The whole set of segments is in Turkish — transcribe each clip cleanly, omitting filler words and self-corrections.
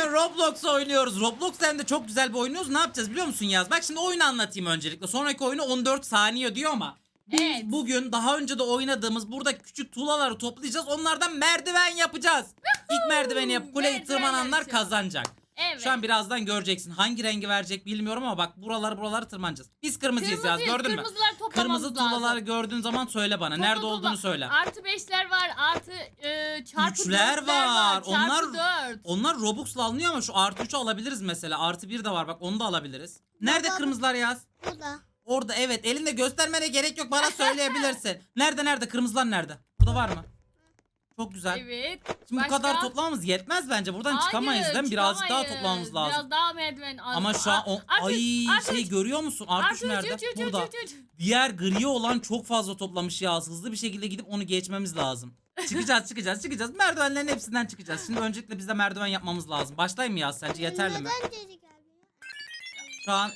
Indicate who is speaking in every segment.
Speaker 1: Bugün Roblox oynuyoruz. Roblox hem de çok güzel bir oynuyoruz. Ne yapacağız biliyor musun Yaz? Bak şimdi oyunu anlatayım öncelikle. Sonraki oyunu 14 saniye diyor ama. Biz
Speaker 2: Evet.
Speaker 1: bugün daha önce de oynadığımız burada küçük tuğlaları toplayacağız. Onlardan merdiven yapacağız. İlk merdiveni yapıp kuleyi
Speaker 2: Merdiven
Speaker 1: tırmananlar
Speaker 2: yapacağız.
Speaker 1: kazanacak.
Speaker 2: Evet.
Speaker 1: Şu an birazdan göreceksin. Hangi rengi verecek bilmiyorum ama bak buraları tırmanacağız. Biz kırmızıyız Yaz, gördün mü?
Speaker 2: Kırmızılar toplamamız
Speaker 1: Kırmızı
Speaker 2: lazım.
Speaker 1: tuğlaları gördüğün zaman söyle bana.
Speaker 2: Topla,
Speaker 1: Nerede
Speaker 2: topla.
Speaker 1: olduğunu söyle.
Speaker 2: Artı 5'ler var. Artı çarpı
Speaker 1: Üçler
Speaker 2: 4'ler
Speaker 1: var.
Speaker 2: Çarpı 4.
Speaker 1: Onlar Robux'la alınıyor ama şu artı 3'ü alabiliriz mesela. Artı 1 de var bak, onu da alabiliriz. Nerede
Speaker 3: Baba.
Speaker 1: kırmızılar Yaz?
Speaker 3: Burada.
Speaker 1: Orada, evet, elinde göstermene gerek yok, bana söyleyebilirsin. Nerede kırmızılar nerede? Burada var mı? Çok güzel.
Speaker 2: Evet.
Speaker 1: Şimdi
Speaker 2: Başka?
Speaker 1: bu kadar toplamamız yetmez bence. Buradan
Speaker 2: Hayır,
Speaker 1: çıkamayız değil mi? Birazcık daha
Speaker 2: çıkamayız.
Speaker 1: toplamamız lazım.
Speaker 2: Biraz daha merdiven.
Speaker 1: Ama şu an
Speaker 2: Artı
Speaker 1: görüyor musun? Artı 3 nerede? Burada. Diğer gri olan çok fazla toplamış ya. Hızlı bir şekilde gidip onu geçmemiz lazım. Çıkacağız. Merdivenlerin hepsinden çıkacağız. Şimdi öncelikle biz de merdiven yapmamız lazım. Başlayayım mı ya, sence yeterli mi?
Speaker 3: Neden geri gelmiyor?
Speaker 1: Şu an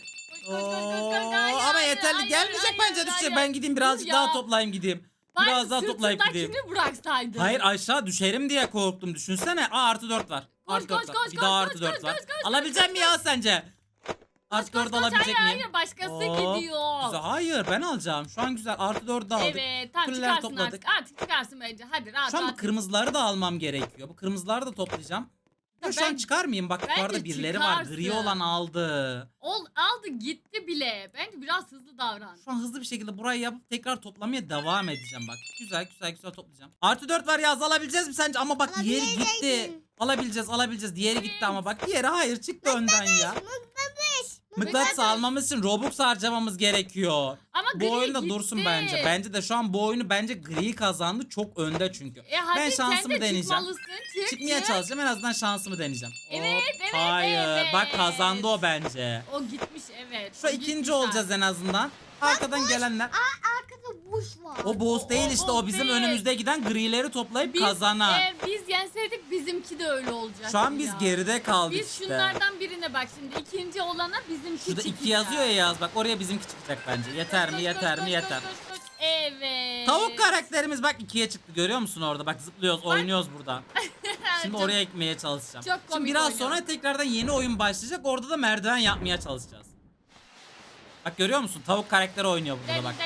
Speaker 1: ama yeterli gelmeyecek bence düşecek.
Speaker 2: hayır.
Speaker 1: Ben gideyim birazcık
Speaker 2: Dur ya.
Speaker 1: daha toplayayım gideyim. Biraz daha toplayıp gideyim.
Speaker 2: bıraksaydın.
Speaker 1: Hayır, aşağı düşerim diye korktum. Düşünsene. Artı 4 var. Artı 4 var. Bir daha artı 4 var. Alabilecek mi ya sence? Artı 4 alabilecek miyim?
Speaker 2: Hayır başkası
Speaker 1: Hop,
Speaker 2: gidiyor.
Speaker 1: Güzel. Hayır, ben alacağım. Şu an güzel. Artı 4'ü de aldık.
Speaker 2: Evet tamam
Speaker 1: Kuleler
Speaker 2: çıkarsın
Speaker 1: topladık.
Speaker 2: artık çıkarsın bence. Hadi rahat
Speaker 1: Şu an bu
Speaker 2: rahat.
Speaker 1: kırmızıları da almam gerekiyor. Bu kırmızıları da toplayacağım. Ya şu an çıkar mıyım? Bak
Speaker 2: bence
Speaker 1: yukarıda birileri var. Gri
Speaker 2: çıkarsın.
Speaker 1: olan aldı.
Speaker 2: Aldı gitti bile. Bence biraz hızlı davran.
Speaker 1: Şu an hızlı bir şekilde burayı yapıp tekrar toplamaya devam edeceğim bak. Güzel toplayacağım. Artı 4 var ya, alabileceğiz mi sence? Ama bak diğeri gitti.
Speaker 3: Alabileceksin.
Speaker 1: Alabileceğiz. Diğeri gitti ama bak diğeri hayır çıktı önden ya. Mıknatıs almamız için Robux harcamamız gerekiyor.
Speaker 2: Ama
Speaker 1: Bu
Speaker 2: gri
Speaker 1: oyunda
Speaker 2: gitti.
Speaker 1: dursun bence. Bence de şu an bu oyunu gri kazandı. Çok önde çünkü.
Speaker 2: Hadi
Speaker 1: Ben şansımı
Speaker 2: sen de
Speaker 1: deneyeceğim.
Speaker 2: çıkmalısın.
Speaker 1: Çıkmaya çalışacağım, en azından şansımı deneyeceğim.
Speaker 2: Evet,
Speaker 1: Hop,
Speaker 2: evet,
Speaker 1: hayır.
Speaker 2: evet.
Speaker 1: Bak kazandı o bence.
Speaker 2: O gitmiş evet.
Speaker 1: Şu ikinci olacağız en azından. Arkadan gelenler.
Speaker 3: Arkada buş var.
Speaker 1: O boss değil işte, o
Speaker 2: boss
Speaker 1: bizim
Speaker 2: değil.
Speaker 1: önümüzde giden grileri toplayıp kazanan.
Speaker 2: Biz yenseydik bizimki de öyle olacak.
Speaker 1: Şu an biz
Speaker 2: ya.
Speaker 1: geride kaldık
Speaker 2: Biz
Speaker 1: işte.
Speaker 2: şunlardan birine bak şimdi ikinci olana bizimki
Speaker 1: Şurada
Speaker 2: çıkacak.
Speaker 1: 2 yazıyor ya Yaz, bak oraya bizimki çıkacak bence. Yeter mi?
Speaker 2: Koş,
Speaker 1: Yeter
Speaker 2: koş,
Speaker 1: mi?
Speaker 2: koş,
Speaker 1: Yeter.
Speaker 2: koş, koş, koş. Evet.
Speaker 1: Tavuk karakterimiz bak 2'ye çıktı, görüyor musun orada? Bak zıplıyoruz, oynuyoruz burada. Şimdi
Speaker 2: Çok-
Speaker 1: oraya ekmeye çalışacağım.
Speaker 2: çok komik
Speaker 1: Şimdi biraz
Speaker 2: oynuyoruz.
Speaker 1: sonra tekrardan yeni oyun başlayacak. Orada da merdiven yapmaya çalışacağız. Bak görüyor musun? Tavuk karakteri oynuyor burada bak.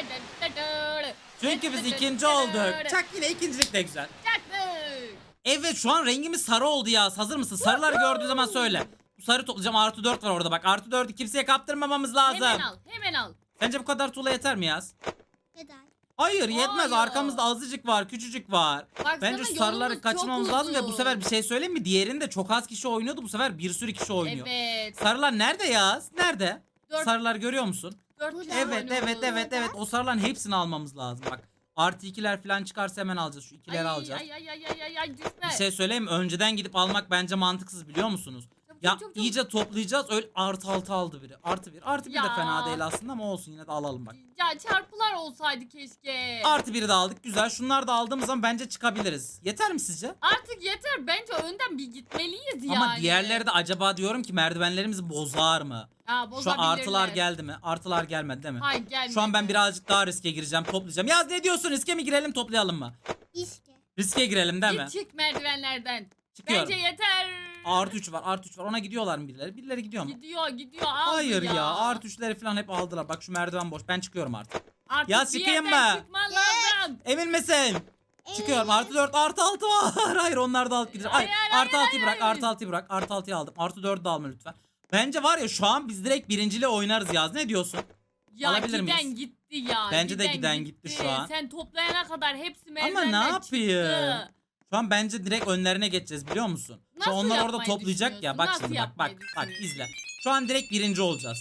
Speaker 1: Çünkü biz ikinci olduk. Çak, yine ikincilik de güzel.
Speaker 2: Çaktık.
Speaker 1: Evet, şu an rengimiz sarı oldu ya. Hazır mısın? Sarıları gördüğün zaman söyle. Bu sarı toplayacağım. Artı 4 var orada bak. Artı 4'ü kimseye kaptırmamamız lazım.
Speaker 2: Hemen al.
Speaker 1: Sence bu kadar tuğla yeter mi Yaz?
Speaker 3: Neden?
Speaker 1: Hayır, yetmez.
Speaker 2: Hayır.
Speaker 1: Arkamızda azıcık var, küçücük var.
Speaker 2: Baksana,
Speaker 1: Bence şu sarıları
Speaker 2: yolumuz
Speaker 1: kaçırmamız
Speaker 2: çok
Speaker 1: lazım ve bu
Speaker 2: uzun.
Speaker 1: sefer bir şey söyleyeyim mi? Diğerinde çok az kişi oynuyordu. Bu sefer bir sürü kişi oynuyor.
Speaker 2: Evet.
Speaker 1: Sarılar nerede Yaz? Nerede?
Speaker 2: Dört-
Speaker 1: Sarılar görüyor musun?
Speaker 2: 4 kişi
Speaker 1: Evet.
Speaker 2: oynuyoruz.
Speaker 1: O sarıların hepsini almamız lazım bak. Artı 2'ler falan çıkarsa hemen alacağız. Şu 2'leri alacağız.
Speaker 2: Ay düşme.
Speaker 1: Bir şey söyleyeyim mi? Önceden gidip almak bence mantıksız, biliyor musunuz? Ya
Speaker 2: Çabuk.
Speaker 1: iyice toplayacağız. Öyle artı 6 aldı biri. Artı 1. Artı 1 de
Speaker 2: Ya.
Speaker 1: fena değil aslında ama olsun, yine de alalım bak.
Speaker 2: Ya çarpılar olsaydı keşke.
Speaker 1: Artı 1'i de aldık. Güzel. Şunları da aldığımız zaman bence çıkabiliriz. Yeter mi sizce?
Speaker 2: Artık yeter. Bence önden bir gitmeliyiz yani.
Speaker 1: Ama diğerleri de acaba diyorum ki merdivenlerimizi bozar mı?
Speaker 2: Ha,
Speaker 1: Şu an
Speaker 2: bozabilirler.
Speaker 1: artılar geldi mi? Artılar gelmedi değil mi?
Speaker 2: Hayır gelmedi.
Speaker 1: Şu an ben birazcık daha riske gireceğim. Toplayacağım. Yaz, ne diyorsun? Riske mi girelim, toplayalım mı?
Speaker 3: İşte.
Speaker 1: Riske girelim değil mi?
Speaker 2: Git çık merdivenlerden.
Speaker 1: Çıkıyorum.
Speaker 2: Bence yeter.
Speaker 1: Artı 3 var. Artı 3 var. Ona gidiyorlar mı birileri? Birileri gidiyor mu?
Speaker 2: Gidiyor aldı
Speaker 1: Hayır ya.
Speaker 2: ya.
Speaker 1: Artı 3'leri falan hep aldılar. Bak şu merdiven boş. Ben çıkıyorum artık.
Speaker 2: Artık
Speaker 1: Ya
Speaker 2: bir
Speaker 1: çıkayım
Speaker 2: yerden
Speaker 1: mı?
Speaker 2: çıkman lazım.
Speaker 1: Emin misin? Çıkıyorum. Artı 4, artı 6 var. Hayır, onlar da alıp gideceğim. Hayır, artı 6'yı bırak. Artı 6'yı bırak. Artı 6'yı aldım. Artı 4'ü de alma lütfen. Bence var ya, şu an biz direkt birinciliğe oynarız Yaz. Ne diyorsun?
Speaker 2: Ya
Speaker 1: Alabilir
Speaker 2: giden
Speaker 1: miyiz?
Speaker 2: gitti ya.
Speaker 1: Bence de giden gitti şu an.
Speaker 2: Sen toplayana kadar hepsi
Speaker 1: Ama
Speaker 2: merdivenden
Speaker 1: ne yapayım?
Speaker 2: çıktı.
Speaker 1: Şu an bence direkt önlerine geçeceğiz, biliyor musun? Şu
Speaker 2: Nasıl
Speaker 1: onlar orada
Speaker 2: yapmayı
Speaker 1: toplayacak ya. Bak
Speaker 2: düşünüyorsun?
Speaker 1: şimdi
Speaker 2: Nasıl
Speaker 1: bak
Speaker 2: yapmayı
Speaker 1: izle. Şu an direkt birinci olacağız.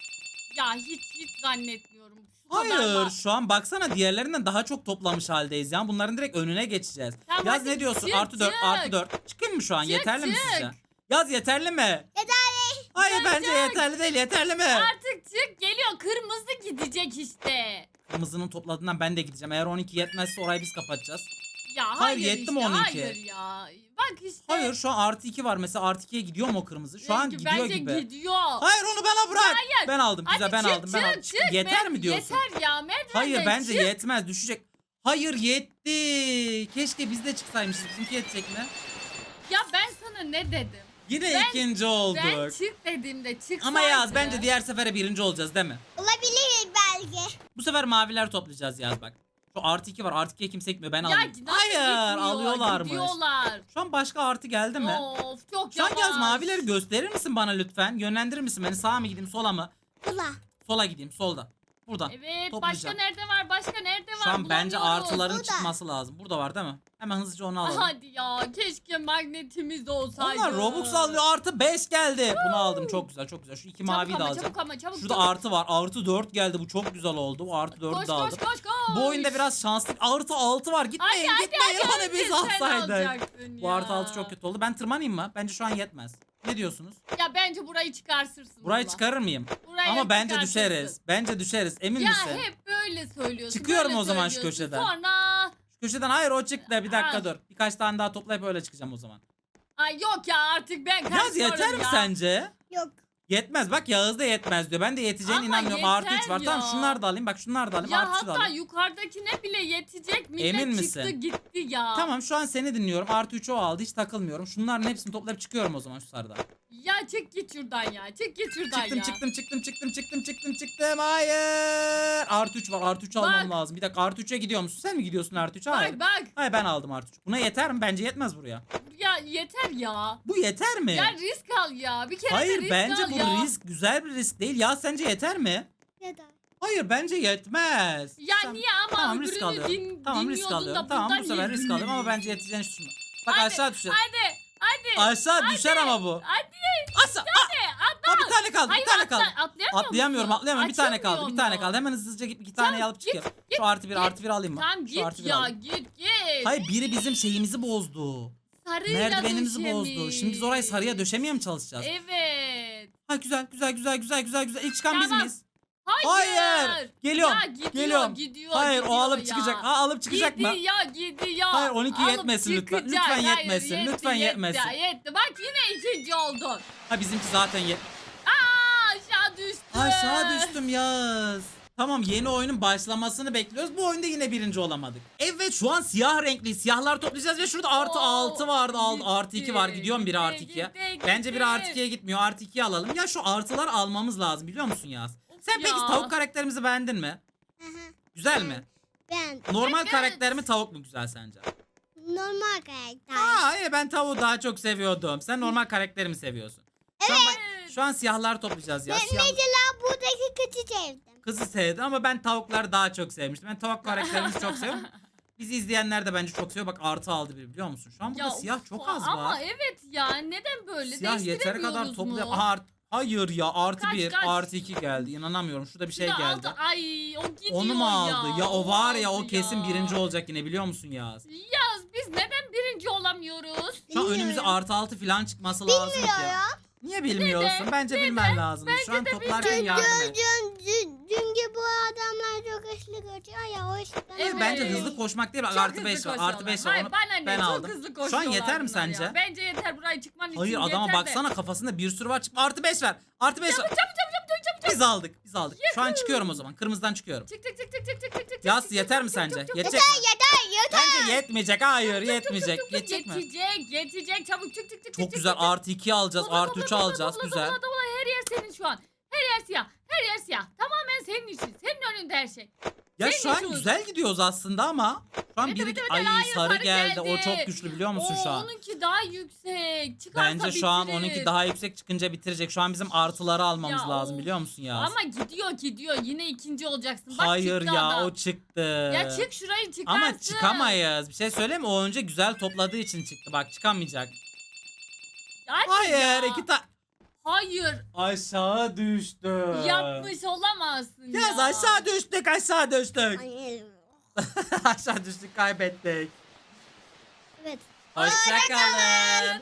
Speaker 2: Ya hiç zannetmiyorum. Şu kadar
Speaker 1: Hayır,
Speaker 2: var.
Speaker 1: şu an baksana diğerlerinden daha çok toplamış haldeyiz ya. Bunların direkt önüne geçeceğiz.
Speaker 2: Tamam,
Speaker 1: Yaz,
Speaker 2: hadi
Speaker 1: ne diyorsun?
Speaker 2: çık,
Speaker 1: Artı 4,
Speaker 2: çık.
Speaker 1: artı 4. Çıkayım mı şu an?
Speaker 2: Çık,
Speaker 1: Yeterli mi
Speaker 2: çık.
Speaker 1: sizce? Yaz, yeterli mi?
Speaker 3: Yeterli.
Speaker 1: Hayır,
Speaker 2: Çık,
Speaker 1: bence
Speaker 2: çık.
Speaker 1: yeterli değil. Yeterli mi?
Speaker 2: Artık çık geliyor. Kırmızı gidecek işte.
Speaker 1: Kırmızının topladığından ben de gideceğim. Eğer 12 yetmezse orayı biz kapatacağız.
Speaker 2: Ya
Speaker 1: Hayır,
Speaker 2: hayır
Speaker 1: yetti
Speaker 2: işte.
Speaker 1: mi onunki?
Speaker 2: Hayır ya. Bak işte.
Speaker 1: Hayır, şu an artı 2 var. Mesela artı 2'ye gidiyor mu o kırmızı? Şu an gidiyor
Speaker 2: Bence
Speaker 1: gibi.
Speaker 2: gidiyor.
Speaker 1: Hayır, onu bana bırak.
Speaker 2: Hayır.
Speaker 1: Ben aldım. Güzel,
Speaker 2: Hadi
Speaker 1: ben
Speaker 2: çık,
Speaker 1: aldım. Ben aldım.
Speaker 2: çık.
Speaker 1: Yeter mi diyorsun?
Speaker 2: Yeter ya merdivenden
Speaker 1: Hayır, bence
Speaker 2: çık.
Speaker 1: yetmez. Düşecek. Hayır, yetti. Keşke biz de çıksaymışız. Bizimki yetecek mi?
Speaker 2: Ya ben sana ne dedim?
Speaker 1: Yine ikinci olduk.
Speaker 2: Ben çık dediğimde çıksaydı.
Speaker 1: Ama Yaz bence diğer sefere birinci olacağız değil mi?
Speaker 3: Olabilir belki.
Speaker 1: Bu sefer maviler toplayacağız Yaz bak. Şu artı 2 var. Artı 2'ye kimse gitmiyor. Ben
Speaker 2: Ya
Speaker 1: alayım.
Speaker 2: nasıl
Speaker 1: Hayır
Speaker 2: gitmiyor?
Speaker 1: alıyorlarmış.
Speaker 2: Gidiyorlar.
Speaker 1: Şu an başka artı geldi mi?
Speaker 2: Of çok
Speaker 1: Şu an
Speaker 2: yavaş.
Speaker 1: Yaz mavileri gösterir misin bana lütfen? Yönlendirir misin beni? Sağa mı gideyim sola mı?
Speaker 3: Ula.
Speaker 1: Sola gideyim solda. Buradan.
Speaker 2: Evet
Speaker 1: Toplayacağım.
Speaker 2: başka nerede var? Başka nerede var?
Speaker 1: Şu an bence
Speaker 2: Bulamıyoruz.
Speaker 1: artıların
Speaker 3: Burada.
Speaker 1: çıkması lazım. Burada var değil mi? Hemen hızlıca onu alalım.
Speaker 2: Hadi ya keşke magnetimiz olsaydı.
Speaker 1: Onlar Robux alıyor artı 5 geldi. Bunu aldım çok güzel çok güzel. Şu iki maviyi de alacağım.
Speaker 2: Çabuk ama çabuk.
Speaker 1: Şurada
Speaker 2: çabuk.
Speaker 1: artı var. Artı 4 geldi. Bu çok güzel oldu. Bu artı 4'ü
Speaker 2: Koş
Speaker 1: de
Speaker 2: koş
Speaker 1: aldım.
Speaker 2: koş koş.
Speaker 1: Bu oyunda biraz şanslı. Artı 6 var. Gitmeyin gitmeyin. Hani biz
Speaker 2: Önce sen
Speaker 1: alsaydık.
Speaker 2: alacaktın
Speaker 1: Bu
Speaker 2: ya.
Speaker 1: artı 6 çok kötü oldu. Ben tırmanayım mı? Bence şu an yetmez. Ne diyorsunuz?
Speaker 2: Ya bence burayı çıkarsırsın.
Speaker 1: Burayı
Speaker 2: baba.
Speaker 1: çıkarır mıyım?
Speaker 2: Burayı
Speaker 1: Ama bence
Speaker 2: çıkartırsın.
Speaker 1: düşeriz. Bence düşeriz. Emin
Speaker 2: Ya
Speaker 1: misin?
Speaker 2: hep böyle söylüyorsun.
Speaker 1: Çıkıyorum
Speaker 2: böyle
Speaker 1: o zaman şu
Speaker 2: söylüyorsun.
Speaker 1: köşeden.
Speaker 2: Sonra
Speaker 1: Şu köşeden hayır o çıktı. Bir dakika
Speaker 2: Ha.
Speaker 1: dur. Birkaç tane daha toplayıp öyle çıkacağım o zaman.
Speaker 2: ay yok ya artık ben kaçıyorum
Speaker 1: Yaz yeter mi
Speaker 2: ya.
Speaker 1: sence?
Speaker 3: Yok.
Speaker 1: Yetmez. Bak Yağız da yetmez diyor. Ben de yeteceğine
Speaker 2: Ama
Speaker 1: inanmıyorum. Artı 3
Speaker 2: yeter
Speaker 1: var. Tamam
Speaker 2: ya.
Speaker 1: şunları da alayım. Bak şunları da alayım.
Speaker 2: Ya
Speaker 1: Artı 3 da
Speaker 2: hatta
Speaker 1: alayım.
Speaker 2: yukarıdakine bile yetecek. Millet
Speaker 1: Emin
Speaker 2: çıktı
Speaker 1: misin?
Speaker 2: gitti ya.
Speaker 1: Tamam şu an seni dinliyorum. Artı 3'ü o aldı. Hiç takılmıyorum. Şunların hepsini toplayıp çıkıyorum o zaman şu sarıdan.
Speaker 2: Ya çık git şuradan ya. Çık git şuradan
Speaker 1: Çıktım
Speaker 2: ya.
Speaker 1: çıktım. Hayır. Artı 3 var. Artı 3 almam lazım. Bir dakika artı 3'e gidiyor musun? Sen mi gidiyorsun artı 3'e? Hayır.
Speaker 2: Bak bak.
Speaker 1: Hayır ben aldım artı 3. Buna yeter mi? Bence yetmez buraya.
Speaker 2: Ya yeter ya.
Speaker 1: Bu yeter mi?
Speaker 2: Ya risk al ya. Bir kere de
Speaker 1: Hayır
Speaker 2: risk
Speaker 1: bence
Speaker 2: al
Speaker 1: bu
Speaker 2: ya.
Speaker 1: risk güzel bir risk değil. Ya sence yeter mi?
Speaker 3: Neden?
Speaker 1: Hayır bence yetmez.
Speaker 2: Ya
Speaker 1: Sen-
Speaker 2: niye ama
Speaker 1: Tamam
Speaker 2: öbürünü
Speaker 1: risk alıyorum. Tamam risk
Speaker 2: dinliyordun
Speaker 1: alıyorum.
Speaker 2: da
Speaker 1: Tamam
Speaker 2: bundan
Speaker 1: bu sefer
Speaker 2: niye
Speaker 1: risk alıyorum ama
Speaker 2: dinlemiyorsun?
Speaker 1: bence yeteceğini düşünmüyorum. Bak
Speaker 2: Hadi,
Speaker 1: aşağı düşer.
Speaker 2: Hadi.
Speaker 1: Aşağı düşer ama bu.
Speaker 2: Hadi.
Speaker 1: Aşağı. Ha, bir tane kaldı.
Speaker 2: Hayır
Speaker 1: Bir tane kaldı.
Speaker 2: atlayamıyor
Speaker 1: Atlayamıyorum. Bir tane kaldı.
Speaker 2: Açamıyor
Speaker 1: Bir tane
Speaker 2: mu?
Speaker 1: kaldı. Hemen hızlıca git iki tane alıp çıkıyorum. Şu artı bir
Speaker 2: git.
Speaker 1: artı bir alayım mı?
Speaker 2: Tamam
Speaker 1: Şu
Speaker 2: git
Speaker 1: artı bir
Speaker 2: ya
Speaker 1: alayım.
Speaker 2: git.
Speaker 1: Hayır biri bizim şeyimizi bozdu.
Speaker 2: Sarıyla
Speaker 1: Merdivenimizi
Speaker 2: döşemiş.
Speaker 1: bozdu. Şimdi biz orayı sarıya döşemeye mi çalışacağız?
Speaker 2: Evet.
Speaker 1: Ha güzel. İlk çıkan biz
Speaker 2: Tamam.
Speaker 1: miyiz?
Speaker 2: Hayır.
Speaker 1: Geliyorum.
Speaker 2: Ya gidiyor,
Speaker 1: Geliyorum.
Speaker 2: gidiyor.
Speaker 1: Hayır o
Speaker 2: gidiyor
Speaker 1: alıp
Speaker 2: ya.
Speaker 1: çıkacak. Ha alıp çıkacak mı?
Speaker 2: Gidiyor.
Speaker 1: Hayır, 12
Speaker 2: Alıp
Speaker 1: yetmesin lütfen.
Speaker 2: çıkacak.
Speaker 1: Lütfen
Speaker 2: Hayır,
Speaker 1: yetmesin.
Speaker 2: yetti,
Speaker 1: Lütfen
Speaker 2: yetti,
Speaker 1: yetmesin.
Speaker 2: Yetti. Bak yine ikinci oldun.
Speaker 1: Ha bizimki zaten
Speaker 2: Aşağı düştü.
Speaker 1: Aşağı düştüm Yaz. Tamam yeni oyunun başlamasını bekliyoruz. Bu oyunda yine birinci olamadık. Evet şu an siyah renkli siyahlar toplayacağız ve şurada artı
Speaker 2: Oo,
Speaker 1: 6 vardı. Artı 2 var.
Speaker 2: gitti,
Speaker 1: Gidiyorum biri artı
Speaker 2: gitti,
Speaker 1: 2'ye.
Speaker 2: gitti,
Speaker 1: Bence biri
Speaker 2: gitti.
Speaker 1: artı 2'ye gitmiyor. Artı 2'yi alalım. Ya şu artılar almamız lazım biliyor musun Yaz? Sen peki
Speaker 2: ya.
Speaker 1: tavuk karakterimizi beğendin mi?
Speaker 3: Aha.
Speaker 1: Güzel mi?
Speaker 3: Ben
Speaker 1: Normal
Speaker 2: Evet.
Speaker 1: karakter mi tavuk mu güzel sence?
Speaker 3: normal karakter.
Speaker 1: Aa iyi ben tavuğu daha çok seviyordum. Sen normal karakteri mi seviyorsun? Şu an, şu an siyahlar toplayacağız ya.
Speaker 3: Ben
Speaker 1: Siyah...
Speaker 3: mesela buradaki kızı sevdim.
Speaker 1: Kızı sevdi ama ben tavukları daha çok sevmiştim. Ben tavuk karakterimizi çok seviyorum. Bizi izleyenler de bence çok seviyor. Bak artı aldı biri biliyor musun? Şu an burada siyah
Speaker 2: of,
Speaker 1: çok az
Speaker 2: ama
Speaker 1: var.
Speaker 2: evet ya neden böyle
Speaker 1: Siyah yeteri kadar
Speaker 2: değiştiremiyoruz
Speaker 1: topluyor.
Speaker 2: mu?
Speaker 1: Aha, hayır ya artı
Speaker 2: Kaç,
Speaker 1: 1
Speaker 2: kaç?
Speaker 1: artı 2 geldi. İnanamıyorum. Şurada bir şey
Speaker 2: Şurada
Speaker 1: geldi.
Speaker 2: aldı. Ay o gidiyor
Speaker 1: Onu mu aldı? Ya o var ya o
Speaker 2: aldı
Speaker 1: kesin
Speaker 2: ya.
Speaker 1: birinci olacak yine biliyor musun Yaz?
Speaker 2: Yaz biz neden birinci olamıyoruz?
Speaker 1: Şu an
Speaker 3: Bilmiyorum.
Speaker 1: önümüze artı 6 falan çıkması lazım ki.
Speaker 3: Bilmiyorum.
Speaker 1: Niye bilmiyorsun? Bence bilmen lazım. Şu an toplarken yardım et.
Speaker 3: Çünkü bu adamlar çok hızlı koşuyor ya o yüzden.
Speaker 2: Evet.
Speaker 1: Bence hızlı koşmak değil bak
Speaker 2: Çok
Speaker 1: artı
Speaker 2: hızlı
Speaker 1: 5 var.
Speaker 2: koşuyorlar.
Speaker 1: Artı 5 var.
Speaker 2: Hayır
Speaker 1: Onu
Speaker 2: bana ne
Speaker 1: ben
Speaker 2: çok
Speaker 1: aldım.
Speaker 2: hızlı
Speaker 1: Şu an
Speaker 2: koşuyorlar
Speaker 1: yeter mi
Speaker 2: bunlar ya.
Speaker 1: sence?
Speaker 2: Bence yeter burayı çıkman için
Speaker 1: Hayır adama
Speaker 2: yeter de.
Speaker 1: baksana kafasında bir sürü var. Artı 5 ver. Artı 5 ver. Biz aldık. Şu an çıkıyorum o zaman. Kırmızıdan çıkıyorum.
Speaker 2: Çık çık çık çık çık çık çık çık.
Speaker 1: Yas
Speaker 2: çık,
Speaker 1: yeter mi
Speaker 2: çık, çık,
Speaker 1: sence?
Speaker 2: çık, çık,
Speaker 1: Yetecek
Speaker 2: çık,
Speaker 1: mi?
Speaker 3: Yeter.
Speaker 1: Bence yetmeyecek. Hayır yetmeyecek.
Speaker 2: çık, çık,
Speaker 1: Yetecek mi?
Speaker 2: Yetecek çabuk çık çık çık.
Speaker 1: Çok
Speaker 2: çık,
Speaker 1: güzel.
Speaker 2: çık, çık.
Speaker 1: Artı 2 alacağız.
Speaker 2: Dobla,
Speaker 1: Artı
Speaker 2: dobla,
Speaker 1: 3
Speaker 2: dobla,
Speaker 1: alacağız.
Speaker 2: dobla,
Speaker 1: Güzel.
Speaker 2: dobla, dobla. Her yer senin şu an. Her yer siyah. Her yer siyah. Tamamen senin için. Senin önünde her şey.
Speaker 1: Ya
Speaker 2: Senin
Speaker 1: şu an
Speaker 2: için
Speaker 1: güzel gidiyoruz aslında ama. Şu an
Speaker 2: Evet,
Speaker 1: biri
Speaker 2: evet, evet,
Speaker 1: ay
Speaker 2: hayır,
Speaker 1: sarı
Speaker 2: sarı
Speaker 1: geldi.
Speaker 2: geldi.
Speaker 1: O çok güçlü biliyor musun şu an?
Speaker 2: Onunki daha yüksek. Çıkarsa
Speaker 1: Bence şu an
Speaker 2: bitirir.
Speaker 1: onunki daha yüksek çıkınca bitirecek. Şu an bizim artıları almamız
Speaker 2: Ya,
Speaker 1: lazım
Speaker 2: of.
Speaker 1: biliyor musun ya?
Speaker 2: Ama gidiyor. Yine ikinci olacaksın. Bak
Speaker 1: Hayır
Speaker 2: çıktı
Speaker 1: ya
Speaker 2: adam.
Speaker 1: o çıktı.
Speaker 2: Ya çık şurayı çıkarsın.
Speaker 1: Ama çıkamayız. Bir şey söyleyeyim mi? O önce güzel topladığı için çıktı. Bak çıkamayacak.
Speaker 2: Hadi
Speaker 1: Hayır
Speaker 2: ya.
Speaker 1: iki tane.
Speaker 2: Hayır.
Speaker 1: Aşağı düştü.
Speaker 2: Yapmış olamazsın ya.
Speaker 1: Yaz aşağı düştük
Speaker 3: Hayır.
Speaker 1: aşağı düştük kaybettik.
Speaker 3: Evet.
Speaker 1: Hoşçakalın.